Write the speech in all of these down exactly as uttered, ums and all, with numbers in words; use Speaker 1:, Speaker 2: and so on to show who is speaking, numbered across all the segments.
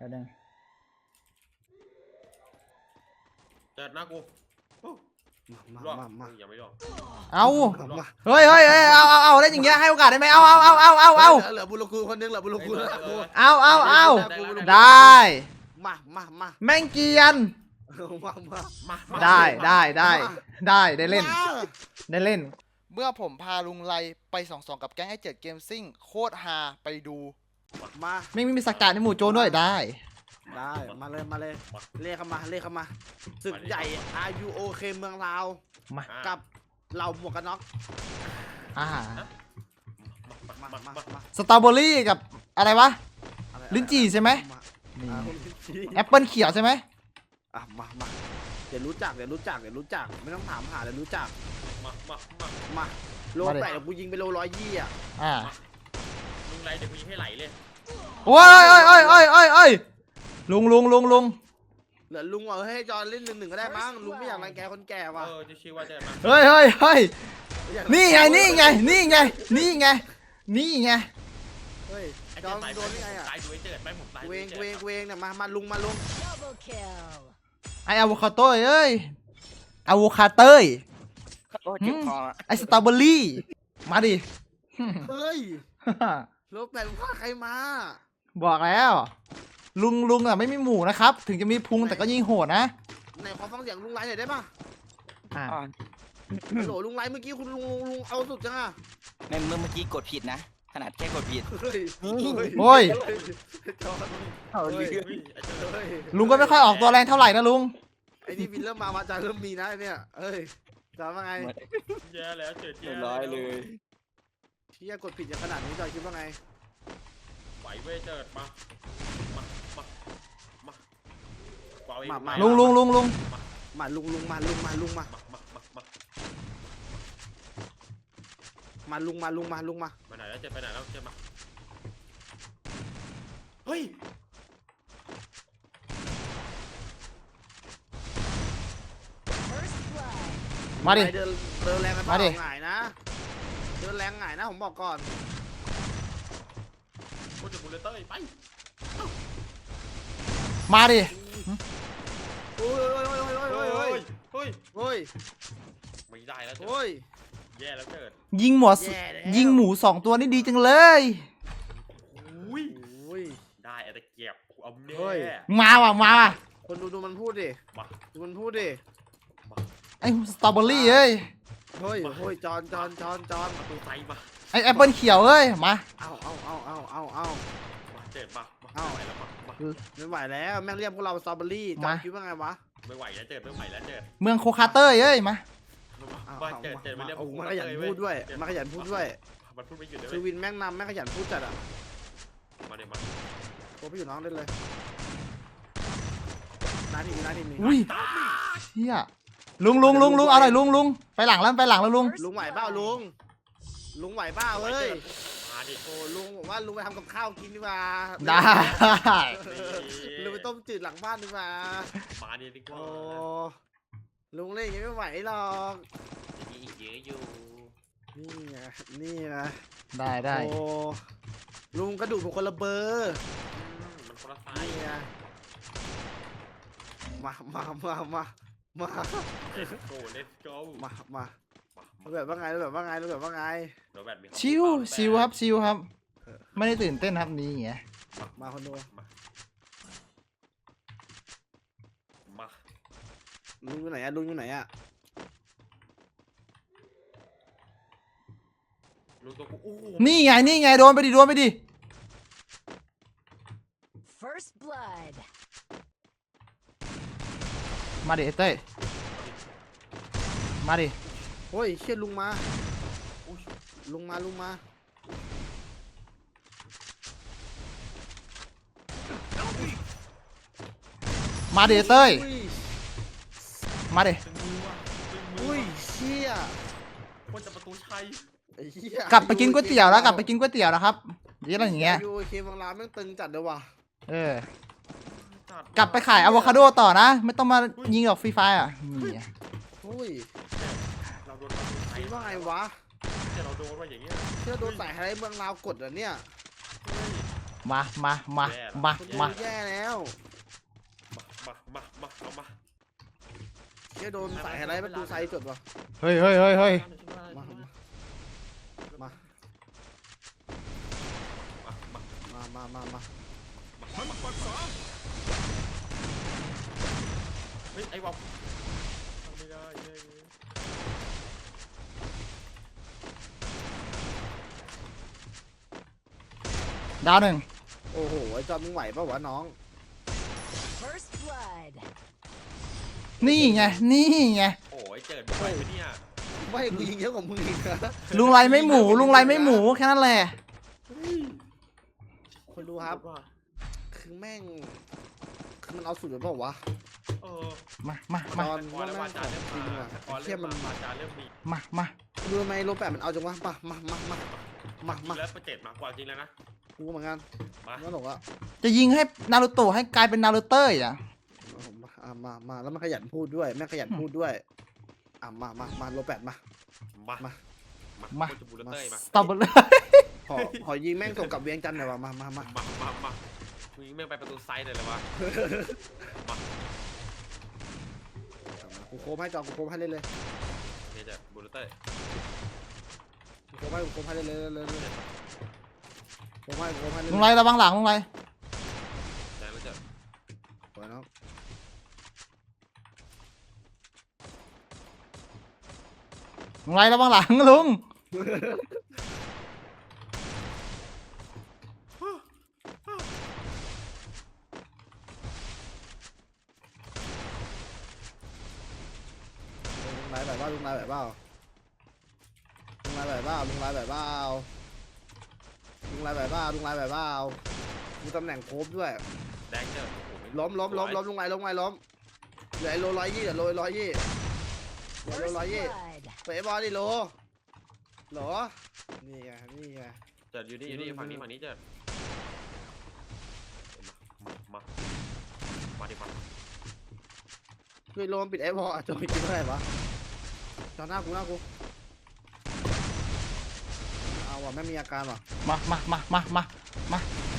Speaker 1: แล้วนึง
Speaker 2: เจิดหน้ากูรอดยังไม่รอด
Speaker 1: เอาเฮ้ยเฮ้ยเอาเอาเอาได้อย่างเงี้ยให้โอกาสได้ไหมเอาเอาเอาเอาเอาเอา
Speaker 3: เหลือบุรุษคนนึงเหลือบุรุษกู
Speaker 1: เอาเอาเอาได้
Speaker 3: มามามา
Speaker 1: แม่งเกียน
Speaker 3: มามา
Speaker 2: มา
Speaker 1: ได้ได้ได้ได้ได้เล่นได้เล่นเมื่อผมพาลุงไลไปสองสองกับแก๊งไอเจ็ดเกมซิ่งโคตรฮาไปดู
Speaker 3: มา
Speaker 1: ไม่มีสกัดในหมู่โจรด้วยได้
Speaker 3: ได้มาเลยมาเลยเรียกเข้ามาเรียกเข้ามาศึกใหญ่ อาร์ ยู โอ เค เมืองลาว
Speaker 1: มา
Speaker 3: กับเหล่าหมวกกันน็อก
Speaker 1: อ่า
Speaker 3: มามามา
Speaker 1: สตรอเบอรี่กับอะไรวะลิ้นจี่ใช่ไหมแอปเปิลเขียวใช่ไหม
Speaker 3: อ่ะมามาเดี๋ยวรู้จักเดี๋ยวรู้จักเดี๋ยวรู้จักไม่ต้องถามหาเดี๋ยวรู้จัก
Speaker 2: มามามา
Speaker 3: มาโลแปดเดี๋ยวกูยิงไปโลร้อยยี่อ่ะ
Speaker 1: อ่า
Speaker 2: ลุงไรเดี๋ยวกูยิงให้ไหลเลย
Speaker 1: โอ้ยโอ้ยโอ้ยโอ้ยโอ้ยโอ้ยลุงลุงลุงลุง
Speaker 3: เหลือลุงว่าให้จอนเล่นหนึ่งหนึ่งก็ได้มั้งลุงไม่อยากรังแกคนแก่ว่ะ
Speaker 2: เออจะชื่อว่าจะมา
Speaker 1: เฮ้ยเฮ้ยเฮ้ยนี่ไงนี่ไงนี่ไงนี่ไงนี่ไง
Speaker 3: เฮ้ยจอนโดนยังไงอ่ะ
Speaker 2: ตายด้วยเจิดไปผมตาย
Speaker 3: เวงเวงเวงเนี่ยมามาลุงมาลุง
Speaker 1: ไออะโวคาโต้เอ้ยอะโวคาเต้ยไอสตรอเบอรี่มาดิ
Speaker 3: เฮ้ยโลแปดพาใครมา
Speaker 1: บอกแล้วลุงลุงอ่ะไม่มีหมูนะครับถึงจะมีพุงแต่ก็ยิงโหดนะ
Speaker 3: ไหนขอฟังเสียงลุงไลหน่อยได้ป่ะ
Speaker 1: อ่า
Speaker 3: โหลลุงไลเมื่อกี้คุณลุงลุงเอาสุดจังอ่ะ
Speaker 4: ในเมื่อเมื่อกี้กดผิดนะขนาดแค่กดผิด
Speaker 1: โอ้ยลุ
Speaker 3: ง
Speaker 1: ก็ไม่ค่อยออกตัวแรงเท่าไหร่นะลุง
Speaker 3: ไอ้นี่วินเริ่มมามาจะเริ่มมีนะเนี่ยเอ้ยจำว่าไง
Speaker 2: แย่แล้วเจิดแย่
Speaker 4: ร้อยเลย
Speaker 3: ที่จะกดผิดอย่างขนาดนี้จอยคิดว่าไง
Speaker 2: ไหวเว้ยเจิดมามามามา
Speaker 1: ลุงลุงลุงลุง
Speaker 3: มาลุงลุงมาลุงมาลุงมา
Speaker 2: มามามา
Speaker 3: มาลุงมาลุงมาลุงมา
Speaker 2: ไปไหนแล้วเจิดไปไหนแล้วเจิดมาเฮ้ย
Speaker 1: มาดิ
Speaker 3: เดินเดินแรงกันมาดิง่ายนะเดินแรงง่ายนะผมบอกก่อน
Speaker 2: โคตรบุลเลเตอร์ไป
Speaker 1: มาดิ
Speaker 3: โอ้ยโอ้ยโอ้ยโอ้ยโอ้ยโอ้ย
Speaker 2: ไม่ได้แล้ว
Speaker 3: โอ้ย
Speaker 2: แย่แล้วเจิด
Speaker 1: ยิงหมดยิงหมูสองตัวนี่ดีจังเลย
Speaker 2: อุ้ยได้แต่เก็บเอาเน่
Speaker 1: มาว่ะมาว่ะ
Speaker 3: คนดูดูมันพูดดิดูมันพูดดิ
Speaker 1: ไอ้สตรอเบอรี่เอ้ย
Speaker 3: เฮ้ยเฮ้ยจอนจอนจอนจอน
Speaker 2: ประตูไฟมา
Speaker 1: ไอ้แอปเปิลเขียวเอ้ยมา
Speaker 3: เอาเอาเอาเอาเอาเอา
Speaker 2: เจ็บมา
Speaker 3: เอาไม่ไหวแล้วแม่งเรียกพวกเราสตรอเบอรี่จอนคิดว่าไงวะ
Speaker 2: ไม่ไหวแล้วเจ็บไม่ไหวแล้วเจ็บ
Speaker 1: เมืองโคคาเต้ยเอ้ยมา
Speaker 2: มาเจ็บเจ็บไม่เรียก
Speaker 3: มาขยันพูดด้วยมาขยันพูดด้วย
Speaker 2: มันพูดไม่หยุดเลย
Speaker 3: คือวินแม่งนำแม่งขยันพูดจัดอ่ะ
Speaker 2: มาเดี๋ยวมา
Speaker 3: โอ้พี่อยู่น้องเล่นเลยนาทีนาทีนี้
Speaker 1: อุ้ยเฮียลุงลุงลุงลุงเอาหน่อยลุงลุงไปหลังแล้วไปหลังแล้วลุง
Speaker 3: ลุงไหวเปล่าลุงลุงไหวเปล่าเฮ้ย
Speaker 2: มาดิ
Speaker 3: โอ้ลุงผมว่าลุงไปทำกับข้าวกินดีกว่า
Speaker 1: ได้
Speaker 3: ลุงไปต้มจืดหลังบ้านดีกว่า
Speaker 2: มาดิดีกว่า
Speaker 3: โอ้ลุงเล่นยังไม่ไหวหรอก
Speaker 2: มีอีกเยอะอยู่
Speaker 3: นี่ไงนี่นะ
Speaker 1: ได้ได้
Speaker 3: โอ้ลุงกระดูกเป็นคนละเบอร์
Speaker 2: มันคนละไฟ
Speaker 3: มามามามามา
Speaker 2: โก้เลสโก้
Speaker 3: มามาแบบว่าไงแบบว่าไงแบบว่าไง
Speaker 1: ชิวชิวครับชิวครับไม่ได้ตื่นเต้นครับนี่ไง
Speaker 3: มาคนดู
Speaker 2: มา
Speaker 3: ลุงอยู่ไหนอะลุงอยู่ไหนอะ
Speaker 1: นี่ไงนี่ไงโดนไปดิโดนไปดิ
Speaker 5: First blood
Speaker 1: มาดิเต้ยมาดิ
Speaker 3: โอ้ยเชี่ยลุงมาลุงมาลุงมา
Speaker 1: มาดิเต้ยมาดิ
Speaker 3: อุ้ยเชี่ย
Speaker 2: คนจะประตูชัย
Speaker 1: กลับไปกินก๋วยเตี๋ยวแล้วกลับไปกินก๋วยเตี๋ยวนะครับยี่อะไรอย่างเงี้ย
Speaker 3: ยูเคบางร้านแม่งตึงจัดเลยว่ะ
Speaker 1: เออกลับไปขายอะโวคาโดต่อนะไม่ต้องมายิงหรอกฟรีไฟอ่ะนี่
Speaker 3: โอ้ยเราโดนคิดว่าไงวะ
Speaker 2: เราโดนว่าอย่างเงี้ย
Speaker 3: เชื่อโดนใส่อะไรเมืองลาวกดเหรอเนี่ย
Speaker 1: มามามามา
Speaker 3: คน
Speaker 1: มา
Speaker 3: ดูแย่แล้ว
Speaker 2: มามามามาเอามา
Speaker 3: เจ๊โดนสายอะไรประตูไซด์จดวะ
Speaker 1: เฮ้ยเฮ้ยเฮ้ยเฮ้ย
Speaker 3: มามา
Speaker 2: มามา
Speaker 3: มามามามา
Speaker 2: เฮ้ยไอ้วอลทำไม่ได้เย้ย
Speaker 1: ดาวหนึ่ง
Speaker 3: โอ้โหไอ้จอมมึงไหวปะวะน้อง
Speaker 5: First blood.
Speaker 1: นี่ไงนี่ไง
Speaker 2: โอ้ยเจิดไปไหมเนี่ย
Speaker 3: ไม่กูยิงเยอะกว่ามึงอีกนะ
Speaker 1: ลุงไรไม่หมูลุงไรไม่หมูแค่นั้นแหละ
Speaker 3: คนดูครับ คือแม่งคือมันเอาสุดเลยเปล่าวะ
Speaker 2: เออ
Speaker 1: มามา
Speaker 3: ต
Speaker 1: มา
Speaker 3: อน
Speaker 2: พอแล้ว
Speaker 3: แม่
Speaker 2: วาง จา
Speaker 3: ข
Speaker 2: เริ่
Speaker 3: อง
Speaker 2: ม
Speaker 3: จริง
Speaker 2: มา
Speaker 3: อะ
Speaker 2: พอ
Speaker 3: เทีย
Speaker 2: เริ่
Speaker 3: บ
Speaker 2: ม
Speaker 3: มัน
Speaker 2: วาจาเริ่มมี
Speaker 1: มามา
Speaker 3: ดูทำไมโลแปดมันเอาจังวะมามามามามามา
Speaker 2: แล้วประเจ็ดมากกว่าจริงแล้วนะ
Speaker 3: กูเหมือนกัน
Speaker 2: มา
Speaker 3: งั้นหรอกอะ
Speaker 1: จะยิงให้นารูโตะให้กลายเป็นนารูเต้ยอ่ะ
Speaker 3: มาอ่ะมามาแล้วมันขยันพูดด้วยแม่งขยันพูดด้วยอ่ะมามามาโลแปดมา
Speaker 2: มา
Speaker 3: มา
Speaker 2: มา
Speaker 1: มา
Speaker 2: โคตรบูลเต้ยมา
Speaker 1: สตรอเบอรี่
Speaker 3: ขอขอยิงแม่งส่งกลับเวียงจันทร์หน่อยวะมามามา
Speaker 2: มามามามึงแม่งไปประตูไซด์เลยเหรอวะมา
Speaker 3: กูโค้งให้จอกูโค้งให้เล่นเลย
Speaker 2: เนี่ยจะบูลเต้ย
Speaker 3: กูโค้งให้กูโค้งให้เล่นเลยเลยเลยเลยโค้งให้กูโค้งให้เล่น
Speaker 1: ลุงไรระวังหลังลุงไร
Speaker 2: แต่แล้วจะ
Speaker 3: สวยเนาะ
Speaker 1: ลุงไรระวังหลังลุง
Speaker 3: ลุงไรแบบว่าลุงไรแบบว่าลุงไรแบบว่าลุงไรแบบว่าลุงไรแบบว่าลุงไรแบบว่าดูตำแหน่งโคบด้วย
Speaker 2: แดงเจอโอ้โห
Speaker 3: ล้มล้มล้มล้มลุงไรล้มไงล้มเหลือไอ้โลร้อยยี่เหลือโลร้อยยี่เหลือโล
Speaker 5: First
Speaker 3: ร้อยยี่
Speaker 5: blood.
Speaker 3: เป๋บอลดิโลเหรอนี่ไงนี่ไง
Speaker 2: เจิดอยู่นี่อยู่นี่ฝั่งนี้ฝั่งนี้เจิดมามามาดิมา
Speaker 3: คือโลมปิดไอ้บอลจอยกินเท่าไหร่วะจอหน้ากูหน้ากูเอาว่ะไม่มีอาการว่ะ
Speaker 1: มามามามามามา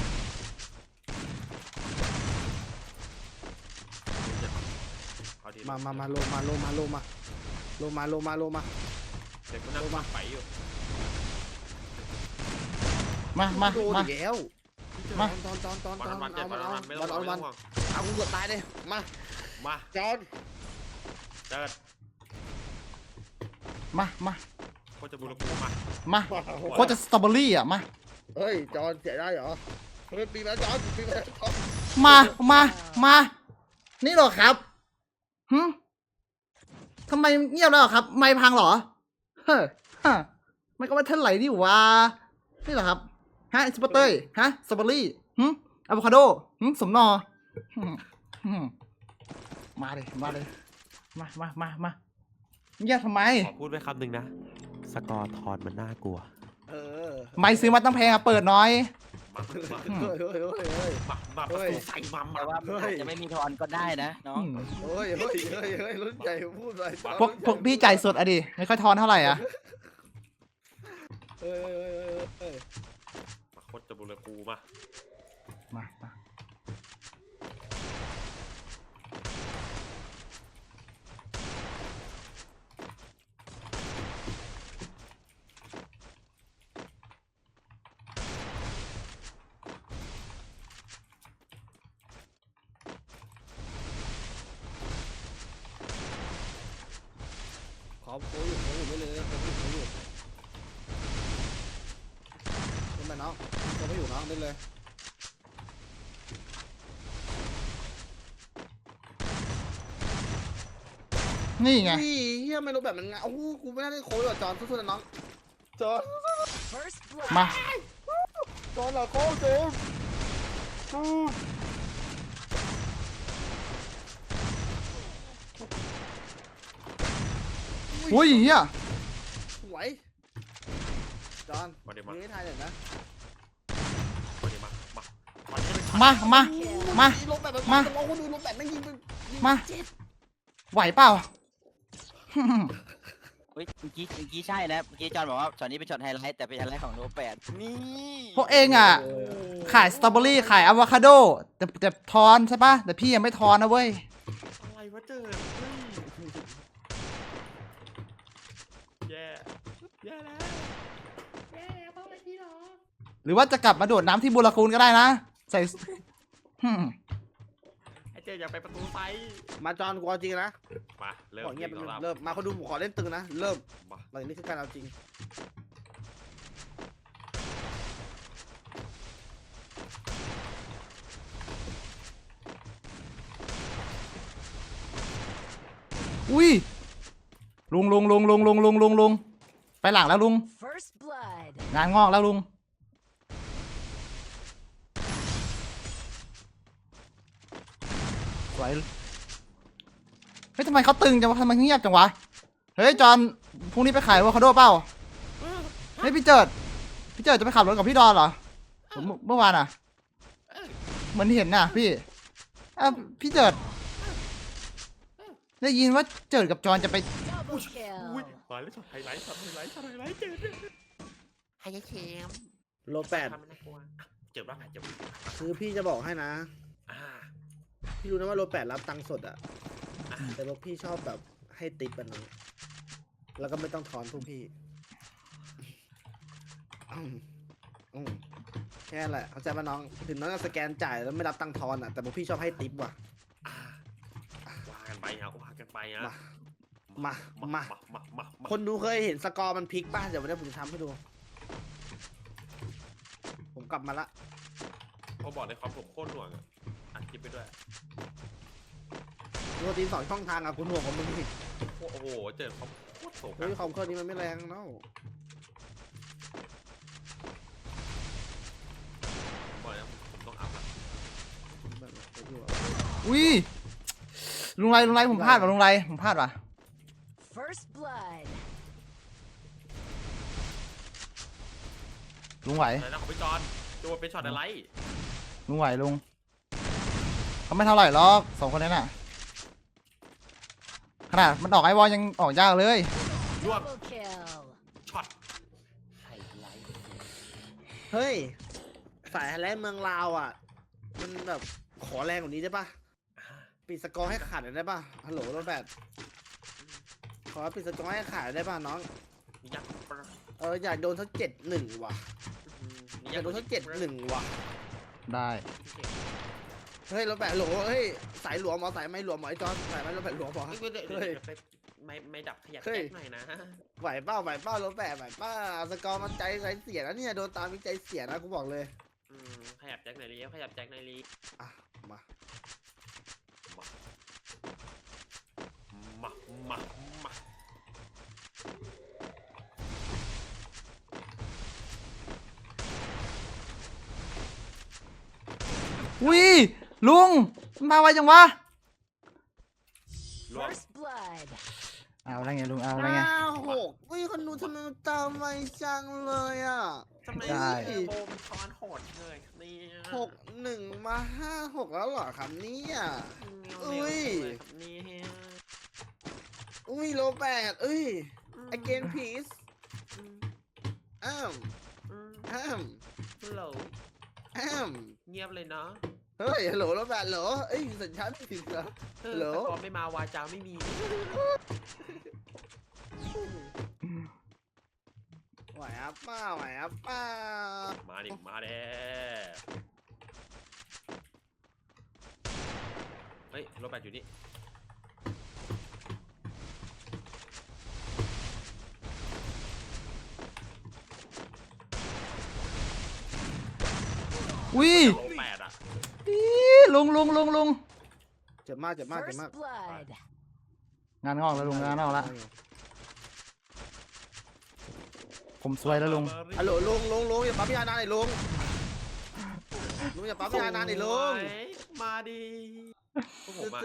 Speaker 2: เอาดิ
Speaker 3: มามามาโลมาโลมาโลมาโลมาโลมาโลมา
Speaker 2: เด็กคนนั้นมาไปอยู่
Speaker 1: มามา
Speaker 3: โดน
Speaker 1: มา
Speaker 3: อีกแล้ว
Speaker 1: มา
Speaker 3: ตอนตอนตอน
Speaker 2: วั
Speaker 3: ต
Speaker 2: น
Speaker 3: อน
Speaker 2: วันเจ็
Speaker 3: เอา
Speaker 2: ด
Speaker 3: มั
Speaker 2: วัน น
Speaker 3: เอา
Speaker 2: วันไม่
Speaker 3: วั
Speaker 2: ต้อน ง
Speaker 3: เอา
Speaker 2: ไม่
Speaker 3: มัน
Speaker 2: ต้องห่วง
Speaker 3: เอากูเกือบตายเลยมา
Speaker 2: มา
Speaker 3: จอน
Speaker 2: เจิด
Speaker 1: มามา
Speaker 2: โคตรจะบูรกูมา
Speaker 1: มาโคตรจะสตรอเบอรี่อ่ะมา
Speaker 3: เฮ้ยจอนเสียได้เหรอเฮ้ยปีแล้วจอนปีแล้วจอน
Speaker 1: มามามานี่เหรอครับหึทำไมเงียบแล้วเหรอครับ ไม่พังเหรอเฮ้อฮะไม่ก็ไม่เท่าไหร่ดิวะนี่เหรอครับฮะสปอร์เตอร์ฮะสตรอเบอรี่หึอะโวคาโดหึสมนอหึหึมาเลยมาเลยมามามามาเงียบทำไม
Speaker 2: ขอพูดไว้คำหนึ่งนะ สกอร์ทอนมันน่ากลัว
Speaker 3: เออ
Speaker 1: ไม่ซื้อมาตั้งแพงอะเปิดน้อย
Speaker 2: มามา
Speaker 3: เฮ้ยเฮ้ยเฮ้ยเฮ้ย
Speaker 2: มามาประตูใส่มามา
Speaker 4: แต่ว่ามันอาจจะไม่มีทอนก็ได้นะน้อง
Speaker 3: เฮ้ยเฮ้ยเฮ้ยเฮ้ยรุ่นใหญ่พูดไป
Speaker 1: พวกพวกพี่จ่ายสดอะดิไม่ค่อยทอนเท่าไหร่อะ
Speaker 3: เฮ้ยเฮ้ยเฮ้ยเฮ้ย
Speaker 2: โคตรจะบูรกูมา
Speaker 1: มามา
Speaker 3: ขอโค้อยู่โค้อยู่ไม่เลยโค้อยู่โค้อยู่เป็นไงน้องโค้ไม่อยู่น้องเล่นเลย
Speaker 1: นี่ไง
Speaker 3: นี่เฮียไม่รู้แบบมันไงโอ้โหกูไม่น่าได้โค้อยู่จอนสู้ๆนะน้องจอน
Speaker 5: First blood.
Speaker 1: มา
Speaker 3: จอนเหรอโค้จอน
Speaker 1: อุ้ยเฮีย
Speaker 3: สวยจอน
Speaker 2: มาเดี๋ยวมา
Speaker 3: ยิงให้ทายหน่อยนะ
Speaker 2: มาเดี๋ยวมามามาเดี๋ยว
Speaker 1: มามา มา
Speaker 3: ลงแบบ
Speaker 1: มา
Speaker 3: ลงคนดูลงแบบไม่ยิงเป็นยิง
Speaker 1: มา
Speaker 3: เจ็ด
Speaker 1: ไหวเปล่า
Speaker 4: เฮ้ยเมื่อกี้เมื่อกี้ใช่นะเมื่อกี้จอนบอกว่าช็อตนี้เป็นช็อตไฮไลท์แต่เป็นไฮไลท์ของโลแปดนี่
Speaker 1: พวกเองอ่ะ ขายสตรอเบอรี่ขายอะโวคาโดแต่แต่ทอนใช่ปะแต่พี่ยังไม่ทอนนะเว้ย
Speaker 2: อะไรวะเจอเฮ้ยแย่แย่แล้วแย่แล้วพ่อไปที่หรอ
Speaker 1: หรือว่าจะกลับมาโดดน้ำที่บุรคูนก็ได้นะ ใส่หึ่ม
Speaker 2: ไอเจอยากไปประตูไฟ
Speaker 3: มาจอนกูเอาจริงนะ
Speaker 2: มาเริ่ม
Speaker 3: ขอเงียบไป
Speaker 2: สองรอบ
Speaker 3: เริ่มมาเขาดูผมขอเล่นตึงนะเริ่ม
Speaker 2: มา
Speaker 3: หลังนี้คือการเอาจริง
Speaker 1: อุ้ยลุงลุงลุงลุงลุงลุงลุงลุงไปหลังแล้วลุง
Speaker 5: First blood.
Speaker 1: งานงอกแล้วลุงสวยเฮ้ยทำไมเขาตึงจังวะทำไมเงียบจังวะเฮ้ยจอนพรุ่งนี้ไปขายอะโวคาโดเปล่าเฮ้ยพี่เจิดพี่เจิดจะไปขับรถกับพี่ดอนเหรอผมเมื่อวานอ่ะเหมือนเห็นน่ะพี่อ้าวพี่เจิดได้ยินว่าเจิดกับจอนจะไป
Speaker 5: Double
Speaker 2: อุ้ย
Speaker 5: kill.
Speaker 2: มาแล้วช็อตไฮไลท์ช็อตไฮไลท์ช็อตไฮไลท์เจอไฮไลท์เคม
Speaker 3: โลแปด
Speaker 2: ทำไม่น่ากลัวเจ็บบ้างไงเจ็บ
Speaker 3: คือพี่จะบอกให้นะ
Speaker 2: อ่า
Speaker 3: พี่รู้นะว่าโลแปดรับตังค์สดอะแต่พวกพี่ชอบแบบให้ติปแบบนั้นแล้วก็ไม่ต้องทอนพวกพี่อืมอืมแค่นั้นแหละเข้าใจป่ะน้องถึงน้องจะสแกนจ่ายแล้วไม่รับตังค์ทอนอะแต่พวกพี่ชอบให้ติปว่ะ
Speaker 2: อ่าว่ากันไปฮะว่ากันไปฮะ
Speaker 3: มา มา มา
Speaker 2: มามามา
Speaker 3: คนดูเคยเห็นสกอร์มันพลิกป่ะเดี๋ยววันนี้ผมจะทำให้ดู ผมกลับมาละ
Speaker 2: เขาบอกในความผมโคตรหน่วงอ่ะอัดคลิปไปด้วย
Speaker 3: ดูทีมสองช่องทางอะคุณห่วงของมึงดิ
Speaker 2: โอ้โหเจอเขาโคตรโศก
Speaker 3: เฮ้ยคอมเครื่องนี้มันไม่แรงเนาะ
Speaker 2: บอกแล้วผมต้องอัพละ
Speaker 3: แบบไปดูอะ
Speaker 1: อุ้ยลุงไรลุงไรผมพลาดว่ะลุงไรผมพลาดว่ะ
Speaker 5: First blood.
Speaker 1: ลุงไหว
Speaker 2: อะไรนะของพี่จอนดูเป็นช็อตอะไร
Speaker 1: ลุงไหวลุงเขาไม่เท่าไหร่หรอกสองคนนั้นน่ะขนาดมันออกไอวอลยังออกยากเลย
Speaker 2: รวบ
Speaker 5: Double kill.
Speaker 2: ช็อต
Speaker 4: ไฮไลท์
Speaker 3: เฮ้ย สายแรงเมืองลาวอ่ะ มันแบบขอแรงกว่านี้ได้ปะปิดสกอร์ให้ขาดหน่อยได้ปะฮัลโหลโรแบทขอปิดสกอร์ให้ขาดได้ปะน้อง
Speaker 2: ยักษ์ปะ
Speaker 3: เอออยากโดนสักเจ็ดหนึ่งว่ะอยากโดนสักเจ็ดหนึ่งว่ะ
Speaker 1: ได้
Speaker 3: เฮ้ยโรแบทโหลเฮ้ยสายหลวมหมอสายไม่หลวมหมอไอ้จอนสายไม่โรแบทหลวมหมอ
Speaker 2: เฮ้ยเดี๋ยวเดี๋ยวเดี๋ยวไปไม่ไม่ดับขยับ
Speaker 3: เฮ้
Speaker 2: แก๊
Speaker 3: ย
Speaker 2: กหน่อยนะ
Speaker 3: ไหวเป้าไหวเป้าโรแบทไหวเป้าสกอร์มันใจใจเสียนะเนี่ยโดนตามมีใจเสียนะกูบอกเลย
Speaker 2: อืมขยับแจ็คหน่อยดิขยับแจ็คหน่อยดิ
Speaker 3: อ่ะมา
Speaker 2: มามามา
Speaker 1: อุ้ยลุงมาไวจังวะ
Speaker 2: รวบ
Speaker 5: First blood.
Speaker 1: เอาแล้วไงลุงเอาแล้วไง
Speaker 3: ห้าหกวิคนดูทำไมมันตามไวจังเลยอ่ะ
Speaker 2: ทำไม
Speaker 1: ได้
Speaker 2: เทอร์โบมันช้อนโหดเลยเนี่ย
Speaker 3: หกหนึ่งมาห้าหกแล้วเหรอครับเนี่ย อุ้ย
Speaker 2: เร็วจังเลยครับเนี่ย
Speaker 3: อุ้ยโลแปดเอ้ย again please
Speaker 2: อืม
Speaker 3: อ้าม
Speaker 2: อืม
Speaker 3: อ้าม
Speaker 2: ฮัลโหล
Speaker 3: อ้าม
Speaker 2: เงียบเลยเนาะ
Speaker 3: เฮ้ยฮัลโหลโลแปดเหรอเอ้ยสัญชาติไม่ถึงเหรอ
Speaker 2: เออ
Speaker 3: ฮัลโหล
Speaker 2: แต่พอไม่มาวาจาไม่มี
Speaker 3: ไหวอ่ะป้าไหวอ่ะป้า
Speaker 2: มาดิมาเด้เฮ้ยรถแบตอยู่นี่
Speaker 1: อุ้ย
Speaker 2: รถแปดอ่ะ
Speaker 1: อีลุงลุงลุงลุง
Speaker 3: เจ็บมากเจ็บมากเจ็บ
Speaker 5: First
Speaker 3: มาก
Speaker 5: blood.
Speaker 1: งานงอกแล้วลุงงานงอกแล้วผมสวยแล้วลุง
Speaker 3: ฮัลโหลลุงลุงลุงอย่าปั๊มยานานหน่อยลุงลุงอย่าปั๊มยานานหน่อยลุง
Speaker 2: มาดิพวกผมอะ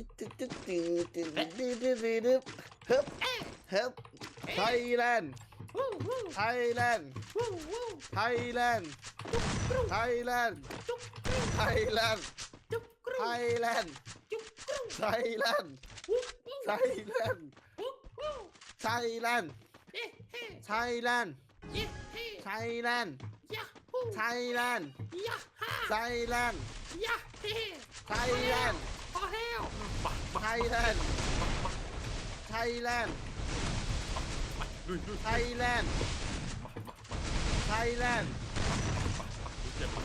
Speaker 3: เฮ้ยไทยแลนด์ไทยแลนด์ไทยแลนด์ไทยแลนด์ไทยแลนด์ไทยแลนด์ไทยแลนด์ไทยแลนด์ไทยแลนด์ไทยแลนด์ไทยแลนด์ไทยแลนด์ไทยแลนด์ไทยแลนด์
Speaker 2: พอแล้ว
Speaker 3: ไทยแลนด์ไทยแลนด์
Speaker 2: ลุยลุย
Speaker 3: ไทยแลนด์ไทยแลนด์
Speaker 2: เจ็บปะ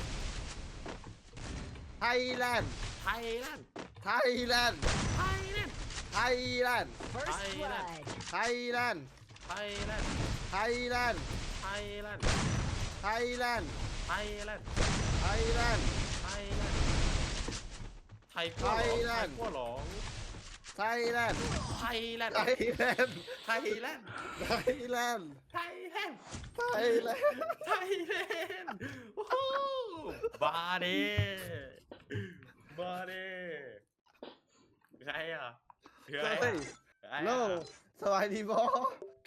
Speaker 3: ไทยแลนด์
Speaker 2: ไทยแลนด์
Speaker 3: ไทยแลนด์
Speaker 2: ไทยแลนด์
Speaker 3: ไทยแลนด์
Speaker 5: First
Speaker 2: Thailand.
Speaker 5: blood.
Speaker 3: ไทยแลนด์
Speaker 2: ไทยแลนด์
Speaker 3: ไทยแลนด์
Speaker 2: ไทยแลนด์
Speaker 3: ไทยแลนด์
Speaker 2: ไทยแลนด์
Speaker 3: ไทยแลนด์
Speaker 2: ไทยแลนด์ไทยกั้วหลง
Speaker 3: ไทย
Speaker 2: ไท
Speaker 3: แล
Speaker 2: ย
Speaker 3: นด์
Speaker 2: กั้วหลง
Speaker 3: ไทยแลนด์
Speaker 2: ไทยแลนด์
Speaker 3: ไทยแลนด์
Speaker 2: ไทยแลนด์
Speaker 3: ไทยแลนด์
Speaker 2: ไทยแลนด์
Speaker 3: ไทยแลนด์
Speaker 2: ไทยแลนด์โอ้โหบาเดบาเดใครอ่ะคืออะไร
Speaker 3: เฮ้ย
Speaker 2: ใคร
Speaker 3: โล
Speaker 2: อ่ะ
Speaker 3: สบายดีบอ